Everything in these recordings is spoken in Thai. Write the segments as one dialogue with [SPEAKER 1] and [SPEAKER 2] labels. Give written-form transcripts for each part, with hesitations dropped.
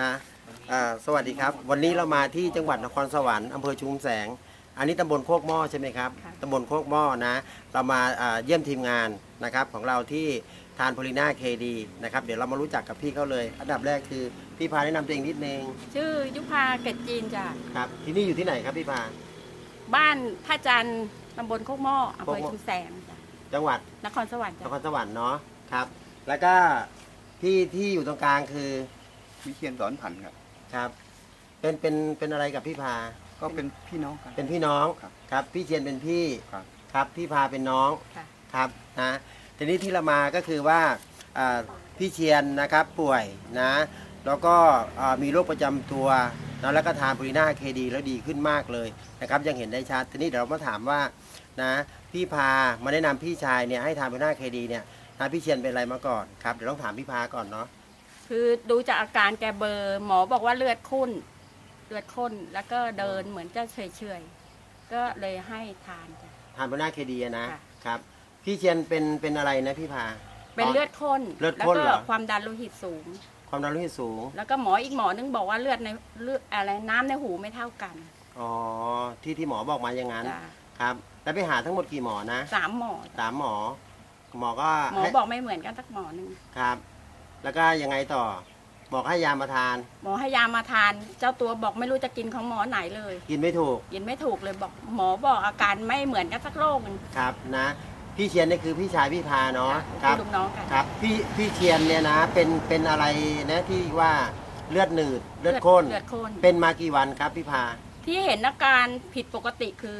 [SPEAKER 1] ฮะสวัสดีครับ วันนี้เรามาที่จังหวัดนครสวรรค์อำเภอชุมแสง อันนี้ตำบลโคกหม้อใช่ไหมครับ ตำบลโคกหม้อนะ เรามาเยี่ยมทีมงานนะครับของเราที่ทานโพลิน่าเคดีนะครับ เดี๋ยวเรามารู้จักกับพี่เขาเลย อันดับแรกคือพี่พาแนะนำตัวเองนิดนึง
[SPEAKER 2] ชื่อยุพาเกตจีนจ้ะ
[SPEAKER 1] ครับ ที่นี่อยู่ที่ไหนครับพี่พา
[SPEAKER 2] บ้านท่าจันทร์ตำบลโคกหม้ออำเภอ
[SPEAKER 1] โคกหม้อ
[SPEAKER 2] ชุมแสงจ้ะ
[SPEAKER 1] จังหวัด
[SPEAKER 2] นครสวรรค์
[SPEAKER 1] น
[SPEAKER 2] จ้ะ
[SPEAKER 1] ครสวรรค์เนาะครับ แล้วก็พี่ที่อยู่ตรงกลางคือ
[SPEAKER 3] วิเชียรสอนผันครับ
[SPEAKER 1] ครับ เป็นอะไรกับพี่พา
[SPEAKER 3] ก็เป็นพี่น้องกัน
[SPEAKER 1] เป็นพี่น้อง
[SPEAKER 3] ครับ
[SPEAKER 1] ครับพี่เชียนเป็นพี่
[SPEAKER 3] ครับ
[SPEAKER 1] ครับพี่พาเป็นน้อง
[SPEAKER 2] ค่ะ
[SPEAKER 1] ครับนะทีนี้ที่เรามาก็คือว่าพี่เชียนนะครับป่วยนะแล้วก็มีโรคประจำตัวนะแล้วก็ทานโพลิน่าเคดีแล้วดีขึ้นมากเลยนะครับยังเห็นได้ชัดทีนี้เดี๋ยวเรามาถามว่านะพี่พามาแนะนำพี่ชายเนี่ยให้ทานโพลิน่าเคดีเนี่ยนะพี่เชียนเป็นอะไรมาก่อนครับเดี๋ยวต้องถามพี่พาก่อนเนาะ
[SPEAKER 2] คือดูจากอาการแกเบลอร์หมอบอกว่าเลือดข้นแล้วก็เดินเหมือนจะเฉยๆก็เลยให้ทานจ้ะ
[SPEAKER 1] ทานโพลิน่าเคดีนะ
[SPEAKER 2] ค่ะ
[SPEAKER 1] ครับพี่เชียนเป็นอะไรนะพี่พา
[SPEAKER 2] เป็นเลือดข้น
[SPEAKER 1] เลือด
[SPEAKER 2] แล้ว
[SPEAKER 1] ข้น
[SPEAKER 2] ก็
[SPEAKER 1] เหรอ
[SPEAKER 2] ความดันโลหิตสูง
[SPEAKER 1] ความดันโลหิตสูง
[SPEAKER 2] แล้วก็อีกหมอนึงบอกว่าเลือดอะไรน้ำในหูไม่เท่ากัน
[SPEAKER 1] อ๋อที่หมอบอกมาอย่างนั้น
[SPEAKER 2] จ้ะ
[SPEAKER 1] ครับแล้วไปหาทั้งหมดกี่หมอนะ
[SPEAKER 2] 3 หมอจ้ะ
[SPEAKER 1] 3 หมอ หมอก็
[SPEAKER 2] หมอ
[SPEAKER 1] ให้
[SPEAKER 2] บอกไม่เหมือนกันสักหมอนึง
[SPEAKER 1] ครับ แล้วก็ยังไงต่อหมอให้ยามาทาน
[SPEAKER 2] หมอให้ยามาทาน เจ้าตัวบอกไม่รู้จะกินของหมอไหนเลย
[SPEAKER 1] กินไม่ถูก
[SPEAKER 2] กินไม่ถูกเลยบอกหมอบอกอาการไม่เหมือนกันสักโรคหนึง
[SPEAKER 1] ครับนะพี่เชียนนี่คือพี่ชายพี่พาเนาะค
[SPEAKER 2] ค่ะ
[SPEAKER 1] รับ
[SPEAKER 2] เป็นลูกน้องกัน
[SPEAKER 1] ครับพี่เชียนเนี่ยนะเป็นอะไรนะที่ว่าเลือดหนืดเลือดข้น
[SPEAKER 2] เลือดข้น
[SPEAKER 1] เป็นมากี่วันครับพี่พา
[SPEAKER 2] ที่เห็นอาการผิดปกติคือ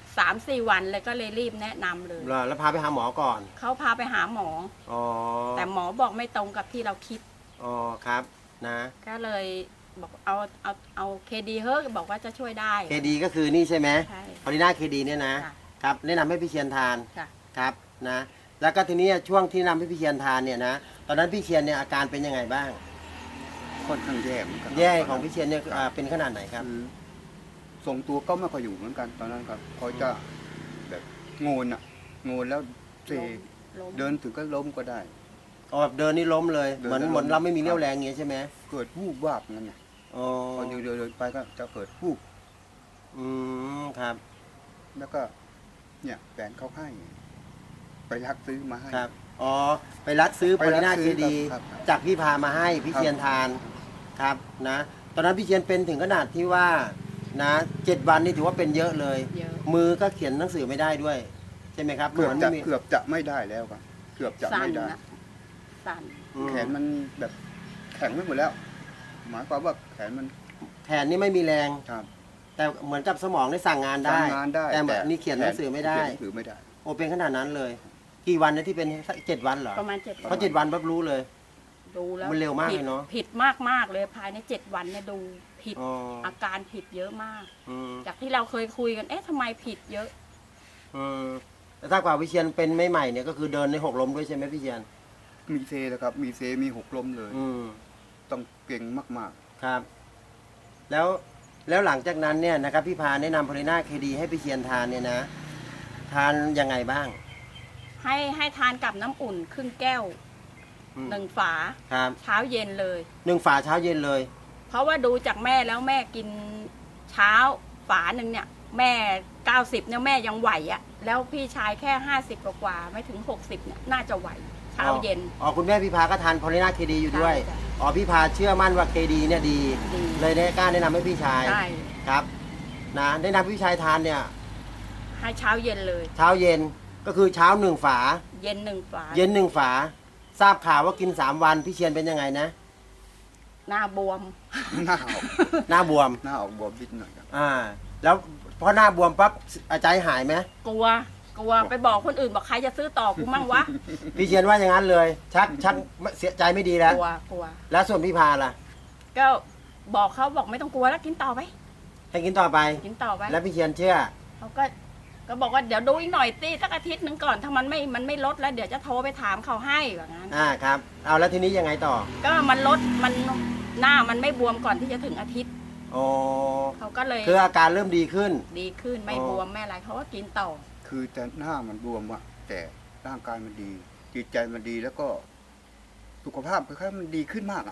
[SPEAKER 2] 3-4 วันเลยก็เลยรีบแนะนำเลย
[SPEAKER 1] แล้วพาไปหาหมอก่อน
[SPEAKER 2] เขาพาไปหาหมอ
[SPEAKER 1] อ๋อ
[SPEAKER 2] แต่หมอบอกไม่ตรงกับที่เราคิด
[SPEAKER 1] อ๋อครับนะ
[SPEAKER 2] ก็เลยบอกเอาเคดีเฮ้บอกว่าจะช่วยได้
[SPEAKER 1] เคดีก็คือนี่ใช่ไหม
[SPEAKER 2] ใช่
[SPEAKER 1] พอลิน่าเคดีเนี่ยนะ
[SPEAKER 2] ค่ะ
[SPEAKER 1] ครับแนะนำให้พี่เชียนทาน
[SPEAKER 2] ค่ะ
[SPEAKER 1] ครับนะแล้วก็ทีนี้ช่วงที่นำให้พี่เชียนทานเนี่ยนะตอนนั้นพี่เชียนเนี่ยอาการเป็นยังไงบ้าง
[SPEAKER 3] ค่อนข้างแย่เหมือนกัน
[SPEAKER 1] แย่ของพี่เชียนเนี่ยเป็นขนาดไหนครับ
[SPEAKER 3] คือทรงตัวก็ไม่ค่อยอยู่เหมือนกันตอนนั้นครับเขาจะแบบโงนแล้วเซ
[SPEAKER 2] ล้ม
[SPEAKER 3] เดินถึงก็ล้มก็ได้
[SPEAKER 1] อ๋อแบบเดินนี่ล้มเลย
[SPEAKER 3] เดิน
[SPEAKER 1] เหมือน
[SPEAKER 3] แล้วล้ม
[SPEAKER 1] เหมือนเราไม่มีเรี่ยวแรงอย่างเงี้ยใช่ไหม
[SPEAKER 3] เกิดวูบวาบนั่นไง
[SPEAKER 1] อ๋อ
[SPEAKER 3] พอเดินไปก็จะเกิดวูบ
[SPEAKER 1] อืมครับ
[SPEAKER 3] แล้วก็เนี่ยแฟนเขาให้ไปรักซื้อมาให้
[SPEAKER 1] ครับอ๋อไปรัดซื้อโพ
[SPEAKER 3] ไปรั
[SPEAKER 1] ลิ
[SPEAKER 3] ด
[SPEAKER 1] น่า
[SPEAKER 3] ซื้
[SPEAKER 1] เค
[SPEAKER 3] อ
[SPEAKER 1] ดี
[SPEAKER 3] ครับ
[SPEAKER 1] จากพี่พามาให้พี่
[SPEAKER 3] ครับ
[SPEAKER 1] เชียนทานครับนะตอนนั้นพี่เชียนเป็นถึงขนาดที่ว่านะ7 วันนี่ถือว่าเป็นเยอะเลย
[SPEAKER 2] เยอะ
[SPEAKER 1] มือก็เขียนหนังสือไม่ได้ด้วยใช่ไหมครับ
[SPEAKER 3] เกือบ
[SPEAKER 1] มัน
[SPEAKER 3] จะ
[SPEAKER 1] ไม่มี
[SPEAKER 3] เกือบจะไม่ได้แล้วครับเกือบจะ
[SPEAKER 2] สั่น
[SPEAKER 3] ไม่ได้
[SPEAKER 2] นะสั่น
[SPEAKER 1] อืม
[SPEAKER 3] แขนมันแบบแข็งไปหมดแล้ว หมายความว่าแขนมัน
[SPEAKER 1] แขนนี่ไม่มีแรง
[SPEAKER 3] ครับ
[SPEAKER 1] แต่เหมือนกับสมองได้สั่งงานได้
[SPEAKER 3] ทำงานได้
[SPEAKER 1] แต่แบบนี่เขียนหนังสือไม่ได้
[SPEAKER 3] เขียนหนังสือไม่ได้
[SPEAKER 1] โอเป็นขนาดนั้นเลย กี่วันนะที่เป็น7 วันเหรอ
[SPEAKER 2] ประมาณ7
[SPEAKER 1] เพราะ7 วันปั๊บรู้เลย
[SPEAKER 2] ดูแล้ว
[SPEAKER 1] มันเร็วมากเลยเนอะ
[SPEAKER 2] ผิดมากเลยภายใน7 วันเนี่ยดูผิด
[SPEAKER 1] อ๋อ
[SPEAKER 2] อาการผิดเยอะมาก
[SPEAKER 1] อืม
[SPEAKER 2] จากที่เราเคยคุยกันเอ๊ะทำไมผิดเยอะ
[SPEAKER 1] อืมแต่ถ้ากว่าวิเชียนเป็นไม่ใหม่เนี่ยก็คือเดินใน6 ล้มด้วยใช่ไหมพี่เชียน
[SPEAKER 3] มีเซนะครับ มีเซมีหกล้มเลย
[SPEAKER 1] อืม
[SPEAKER 3] ต้องเก่งมาก
[SPEAKER 1] ครับ แล้วหลังจากนั้นเนี่ยนะครับพี่พาแนะนำโพลิน่าเคดีให้พี่เชียนทานเนี่ยนะ ทานยังไงบ้าง
[SPEAKER 2] ให้ทานกับน้ำอุ่นครึ่งแก้ว
[SPEAKER 1] อืม
[SPEAKER 2] 1 ฝา
[SPEAKER 1] ครับ
[SPEAKER 2] เช้าเย็นเลย
[SPEAKER 1] 1 ฝาเช้าเย็นเลย
[SPEAKER 2] เพราะว่าดูจากแม่แล้วแม่กินเช้าฝาหนึ่งเนี่ย แม่90เนี่ยแม่ยังไหวอะแล้วพี่ชายแค่50กว่าๆไม่ถึง60เนี่ยน่าจะไหวเช้าเย็น
[SPEAKER 1] อ๋อคุณแม่พี่พาก็ทานโพลิน่าเคดีอยู่ด้วย
[SPEAKER 2] ใช่จ้ะ
[SPEAKER 1] อ๋อพี่พาเชื่อมั่นว่าเคดีเนี่ยดี
[SPEAKER 2] ดี
[SPEAKER 1] เลยได้กล้าแนะนำให้พี่ชาย
[SPEAKER 2] ใช่
[SPEAKER 1] ครับนะแนะนำพี่ชายทานเนี่ย
[SPEAKER 2] ให้เช้าเย็นเลย
[SPEAKER 1] เช้าเย็นก็คือเช้า1 ฝา
[SPEAKER 2] เย็น1 ฝา
[SPEAKER 1] เย็น1 ฝา ทราบข่าวว่ากิน3 วันพี่เชียนเป็นยังไงนะ
[SPEAKER 2] หน้าบวม
[SPEAKER 3] ๆ หน้าออก
[SPEAKER 1] หน้าบวม
[SPEAKER 3] หน้าออกบวมนิดหน่อยครับ
[SPEAKER 1] แล้วพอหน้าบวมปั๊บใจหายไหม
[SPEAKER 2] กลัวไปบอกคนอื่นบอกใครจะซื้อต่อกูมั่งวะ
[SPEAKER 1] พี่เชียนว่าอย่างนั้นเลย ชักเสียใจไม่ดีแล้ว
[SPEAKER 2] กลัว
[SPEAKER 1] แล้วส่วนพี่พาล่ะ
[SPEAKER 2] ก็บอกเขาบอกไม่ต้องกลัวแล้วกินต่อไป
[SPEAKER 1] ให้กินต่อไป
[SPEAKER 2] กินต่อไป
[SPEAKER 1] แล้วพี่เชียนเชื่อ
[SPEAKER 2] เขาก็บอกว่าเดี๋ยวดูอีกหน่อยสิสักอาทิตย์หนึงก่อนถ้ามันไม่ลดแล้วเดี๋ยวจะโทรไปถามเขาให้แบบนั้น
[SPEAKER 1] ครับเอาแล้วทีนี้ยังไงต่อ
[SPEAKER 2] ก็มันลดมันหน้ามันไม่บวมก่อนที่จะถึงอาทิตย์
[SPEAKER 1] โอ้
[SPEAKER 2] เขาก็เลย
[SPEAKER 1] คืออาการเริ่มดีขึ้น
[SPEAKER 2] ดีขึ้นไม่บวมไม่อะไรเขาก็กินต่อ
[SPEAKER 3] คือแต่หน้ามันบวมอะแต่ร่างกายมันดี จิตใจมันดีแล้วก็สุขภาพคล้ายๆมันดีขึ้นมากอะ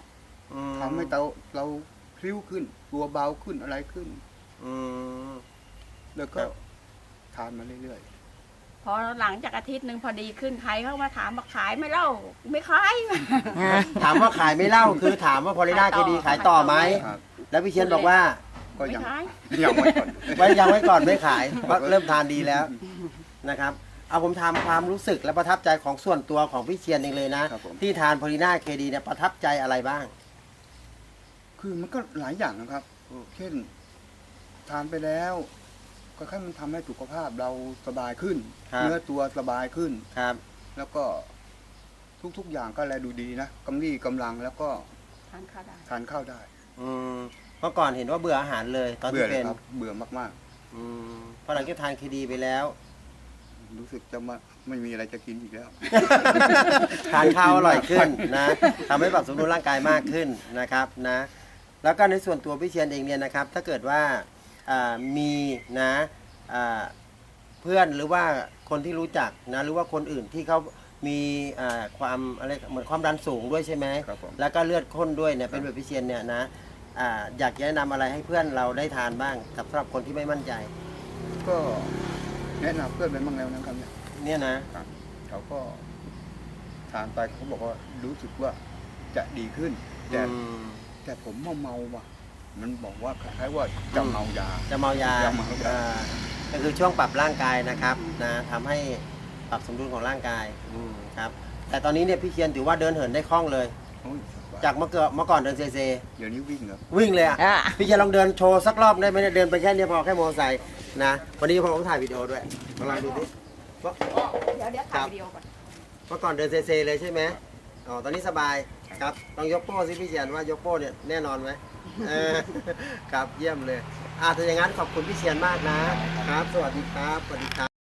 [SPEAKER 1] อืม
[SPEAKER 3] ทำให้เราพลิ้วขึ้น ตัวเบาขึ้นอะไรขึ้น
[SPEAKER 1] อืม
[SPEAKER 3] แล้วก็
[SPEAKER 1] ครับ
[SPEAKER 3] ทานมาเรื่อย
[SPEAKER 2] พอหลังจากอาทิตย์หนึ่งพอดีขึ้นใครเข้ามาถามบอกขายไหม่เล่าไม่ขาย
[SPEAKER 1] ถามว่าขายไม่เล่าคือถามว่าพอลิน่าเคดีขายต่อไหม
[SPEAKER 3] ๆครับ
[SPEAKER 1] แล้วพี่เชียนบอกว่า
[SPEAKER 3] ก็
[SPEAKER 2] ไม่
[SPEAKER 3] ยัง
[SPEAKER 2] ขาย
[SPEAKER 3] ยังไม่ก่อน
[SPEAKER 1] ไว้ยังไว้ก่อนไม่ขายเพราะเริ่มทานดีแล้วนะครับ เอาผมถามความรู้สึกและประทับใจของส่วนตัวของพี่เชียนเองเลยนะ
[SPEAKER 3] ครับผม
[SPEAKER 1] ที่ทานพอลิน่าเคดีเนี่ยประทับใจอะไรบ้าง
[SPEAKER 3] คือมันก็หลายอย่างนะครับ
[SPEAKER 1] อืม
[SPEAKER 3] เช่น ทานไปแล้วก็แค่มันทำให้สุขภาพเราสบายขึ้น เนื้อตัวสบายขึ้น
[SPEAKER 1] ครับ
[SPEAKER 3] แล้วก็ทุกๆอย่างก็แลดูดีนะกำลี่กำลังแล้วก็
[SPEAKER 2] ทานข้าวได้
[SPEAKER 3] ทานข้าวได้
[SPEAKER 1] อืมเมื่อก่อนเห็นว่าเบื่ออาหารเลยตอน
[SPEAKER 3] เบื่อ
[SPEAKER 1] ที่
[SPEAKER 3] เล
[SPEAKER 1] เป็
[SPEAKER 3] ย
[SPEAKER 1] น
[SPEAKER 3] ครับ เบื่อมาก
[SPEAKER 1] อืมพอหลังจากทานเคดีไปแล้ว
[SPEAKER 3] ๆ รู้สึกจะไม่มีอะไรจะกินอีกแล้ว
[SPEAKER 1] ทานข้าวอร่อยขึ้นนะทำให้ปรับสมดุลร่างกายมากขึ้นนะครับนะ แล้วก็ในส่วนตัวพี่เชียนเองเนี่ยนะครับ ถ้าเกิดว่ามีนะเพื่อนหรือว่าคนที่รู้จักนะหรือว่าคนอื่นที่เขามีความอะไรเหมือนความดันสูงด้วยใช่ไหม
[SPEAKER 3] ครับผม
[SPEAKER 1] แล้วก็เลือดข้นด้วยเนี่ยเป็นแบบพี่เชียนเนี่ยนะอยากจะแนะนำอะไรให้เพื่อนเราได้ทานบ้างสำหรับคนที่ไม่มั่นใจ
[SPEAKER 3] ก็แนะนำเพื่อนไปบ้างแล้วนะครับเนี่ย
[SPEAKER 1] เนี่ยนะ
[SPEAKER 3] เขาก็ทานไปเขาบอกว่ารู้สึกว่าจะดีขึ้น แต่
[SPEAKER 1] อืม
[SPEAKER 3] แต่ผมเมาว่ะ มันบอกว่าคล้ายๆว่าจะเมายา
[SPEAKER 1] จะเมายา
[SPEAKER 3] จะเมายา
[SPEAKER 1] ก็คือช่วงปรับร่างกายนะครับนะทำให้ปรับสมดุลของร่างกายครับแต่ตอนนี้เนี่ยพี่เชียนถือว่าเดินเหินได้คล่องเลย
[SPEAKER 3] โอ้ย
[SPEAKER 1] จากเมื่อก่อนเดินเซ
[SPEAKER 3] เดี๋ยวนี้วิ่งครับ
[SPEAKER 1] วิ่งเลยอ่ะ
[SPEAKER 2] อ่ะ
[SPEAKER 1] พี่เชียนลองเดินโชว์สักรอบได้ไหมเนี่ยเดินไปแค่นี้พอแค่มอเตอร์ไซค์นะวันนี้ผมต้องถ่ายวิดีโอด้วยลองดูดิว่า
[SPEAKER 2] เดี๋ยวถ่ายวิดีโอก่อน
[SPEAKER 1] เมื่อก่อนเดินเซเลยใช่ไหมอ๋อตอนนี้สบายครับลองยกโป้สิพี่เชียนว่ายกโป้เนี่ยแน่นอนไหมครับเยี่ยมเลยถ้าอย่างนั้นขอบคุณพี่เชียนมากนะครับ สวัสดีครับสวัสดีครับ